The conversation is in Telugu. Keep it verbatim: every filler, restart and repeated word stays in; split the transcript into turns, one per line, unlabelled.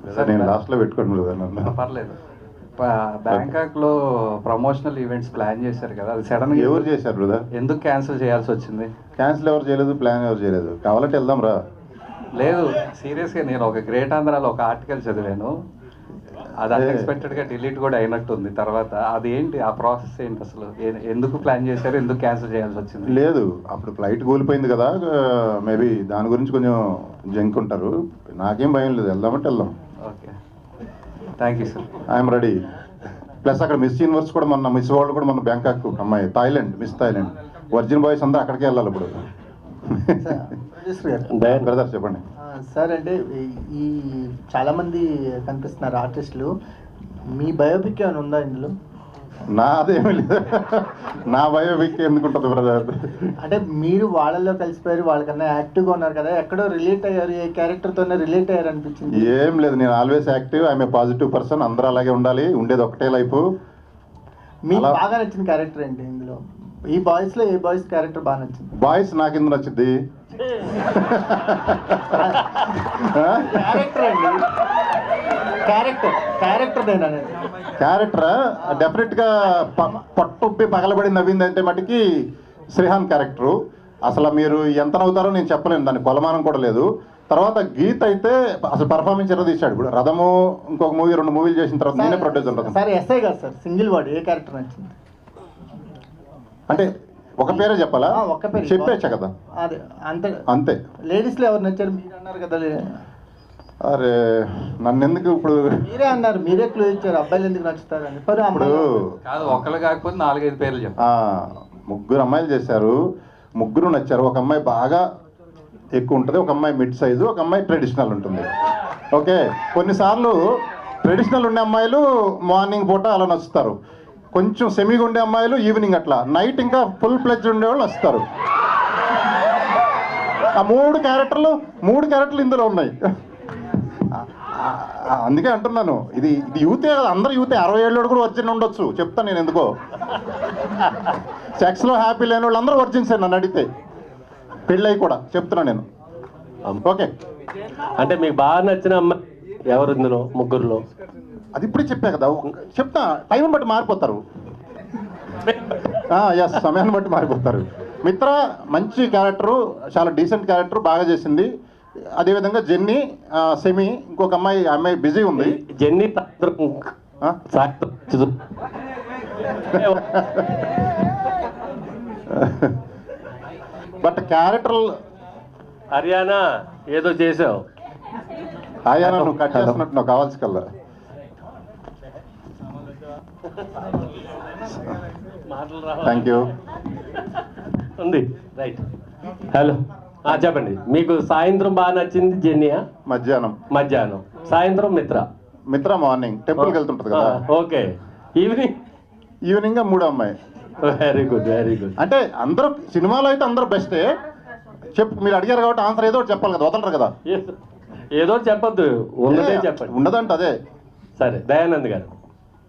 నేను లాస్ట్లో పెట్టుకోండి బ్రదర్ నన్ను.
పర్లేదు. బ్యాంకాక్ లో ప్రమోషనల్ ఈవెంట్స్ ప్లాన్ చేశారు కదా, అది సడన్ గా
ఎవరు చేశారు బ్రదర్?
ఎందుకు క్యాన్సిల్ చేయాల్సి వచ్చింది?
క్యాన్సిల్ ఎవరు చేయలేదు, ప్లాన్ ఎవరు చేయలేదు. కావాలంటే వెళ్దాం రా.
లేదు సీరియస్గా, నేను ఒక గ్రేట్ ఆంధ్రాలో ఒక ఆర్టికల్ చదివాను, అది అన్ఎక్స్పెక్టెడ్గా డిలీట్ కూడా అయినట్టుంది తర్వాత. అది ఏంటి ఆ ప్రాసెస్ ఏంటి అసలు? ఎందుకు ప్లాన్ చేశారు, ఎందుకు క్యాన్సిల్ చేయాల్సి వచ్చింది?
లేదు, అప్పుడు ఫ్లైట్ కూలిపోయింది కదా, మేబీ దాని గురించి కొంచెం జంక్ ఉంటారు. నాకేం భయం లేదు, వెళ్దామంటే వెళ్దాం.
Okay, thank you sir.
I'm ready. Plus అక్కడ మిస్ యూనివర్స్ కూడా మొన్న మిస్ వరల్డ్ కూడా మన బ్యాంకాక్ అమ్మాయి, Thailand Miss Thailand. Virgin boys అందరూ అక్కడికే వెళ్ళాలి ఇప్పుడు. బ్రదర్ చెప్పండి
సార్. అంటే ఈ చాలామంది కనిపిస్తున్నారు ఆర్టిస్టులు, మీ బయోపిక్ ఏమైనా ఉందా ఇందులో?
నాదేమీ లేదు, నా బయోపిక్ ఎందుకుంటుంది బ్రదర్?
అంటే మీరు వాళ్ళల్లో కలిసిపోయారు, వాళ్ళకన్నా యాక్టివ్గా ఉన్నారు కదా, ఎక్కడో రిలేట్ అయ్యారు, ఏ క్యారెక్టర్తోనే రిలేట్ అయ్యారు అనిపించింది?
ఏం లేదు, నేను always active, I'm a positive person. అందరూ అలాగే ఉండాలి, ఉండేది ఒకటే లైఫ్.
మీకు బాగా నచ్చిన క్యారెక్టర్ ఏంటి ఇందులో? ఈ బాయ్స్ లో ఏ బాయ్స్ క్యారెక్టర్ బాగా నచ్చింది?
బాయ్స్ నాకు ఎందుకు నచ్చింది?
క్యారెక్టర్ అండి, క్యారెక్టర్ క్యారెక్టర్
క్యారెక్టరా డెఫినెట్గా పట్టుప్పి పగలబడి నవ్వింది అంటే మటుకి శ్రీహాన్ క్యారెక్టరు. అసలు మీరు ఎంత నవ్వుతారో నేను చెప్పలేను, దాని కొలమానం కూడా లేదు. తర్వాత గీత్ అయితే అసలు పర్ఫార్మెన్స్ ఎలా తీశాడు. ఇప్పుడు రథము ఇంకొక మూవీ రెండు మూవీలు చేసిన తర్వాత నేనే ప్రొడ్యూసర్ ఉంటుంది
సార్. ఎస్ఐ కాదు సార్, సింగిల్ వర్డ్, ఏ క్యారెక్టర్ నచ్చింది?
అంటే ఒక పేరే చెప్పాలా?
ఒక పేరు
చెప్పేచ్చా కదా,
అదే అంతే
అంతే.
లేడీస్లో ఎవరు నచ్చారు? మీరు అన్నారు కదా.
అరే నన్ను ఎందుకు ఇప్పుడు
మీరే అన్నారు, మీరే క్లూ ఇచ్చారు అబ్బాయిలు ఎందుకు నచ్చుతారు అని.
ఇప్పుడు
కాదు, ఒకళ్ళు కాకపోతే నాలుగైదు పేర్లు చెప్పు.
ముగ్గురు అమ్మాయిలు చేశారు, ముగ్గురు నచ్చారు. ఒక అమ్మాయి బాగా ఎక్కువ ఉంటుంది, ఒక అమ్మాయి మిడ్ సైజు, ఒక అమ్మాయి ట్రెడిషనల్ ఉంటుంది. ఓకే, కొన్నిసార్లు ట్రెడిషనల్ ఉండే అమ్మాయిలు మార్నింగ్ పూట అలా నచ్చుతారు, కొంచెం సెమీగా ఉండే అమ్మాయిలు ఈవినింగ్, అట్లా నైట్ ఇంకా ఫుల్ ప్లెజ్ ఉండేవాళ్ళు వస్తారు. ఆ మూడు క్యారెక్టర్లు మూడు క్యారెక్టర్లు ఇందులో ఉన్నాయి. అందుకే అంటున్నాను, ఇది ఇది యూతే కదా, అందరు యూతే. అరవై ఏళ్ళు కూడా వర్జిన్ ఉండొచ్చు, చెప్తాను నేను ఎందుకో. సెక్స్లో హ్యాపీ లేని వాళ్ళు అందరూ వర్జిన్స్ నన్ను అడిగితే, పెళ్ళయి కూడా చెప్తున్నా నేను. ఓకే,
అంటే మీకు బాగా నచ్చిన అమ్మాయి ఎవరు ఇందులో ముగ్గురులో?
అది ఇప్పుడే చెప్పా కదా, చెప్తా. టైం బట్టి మారిపోతారు, ఎస్ సమయాన్ని బట్టి మారిపోతారు. మిత్ర మంచి క్యారెక్టరు, చాలా డీసెంట్ క్యారెక్టర్, బాగా చేసింది. అదేవిధంగా జెన్నీ, సెమీ, ఇంకొక అమ్మాయి, అమ్మాయి బిజీ ఉంది.
జెన్నీ
బట్ క్యారెక్టర్
హర్యానా ఏదో చేసావు.
హర్యానా నువ్వు కట్ చేస్తున్నట్టు నాకు కావాల్సి కల్లా. Thank you.
ఉంది రైట్. హలో చెప్పండి. మీకు సాయంత్రం బాగా నచ్చింది జెన్నియా?
మధ్యాహ్నం.
మధ్యాహ్నం. సాయంత్రం మిత్ర.
మిత్ర మార్నింగ్ టెంపుల్కి వెళ్తుంటుంది కదా.
ఓకే. ఈవినింగ్?
ఈవినింగ్ మూడో అమ్మాయి.
Very good, very good.
అంటే అందరూ సినిమాలో అయితే అందరూ బెస్టే. చెప్పు, మీరు అడిగారు కాబట్టి ఆన్సర్ ఏదో ఒకటి చెప్పాలి కదా, వదలరు కదా.
ఏదో చెప్పొద్దు, ఉన్నదే చెప్పండి.
ఉండదంట అదే.
సరే, దయానంద్ గారు.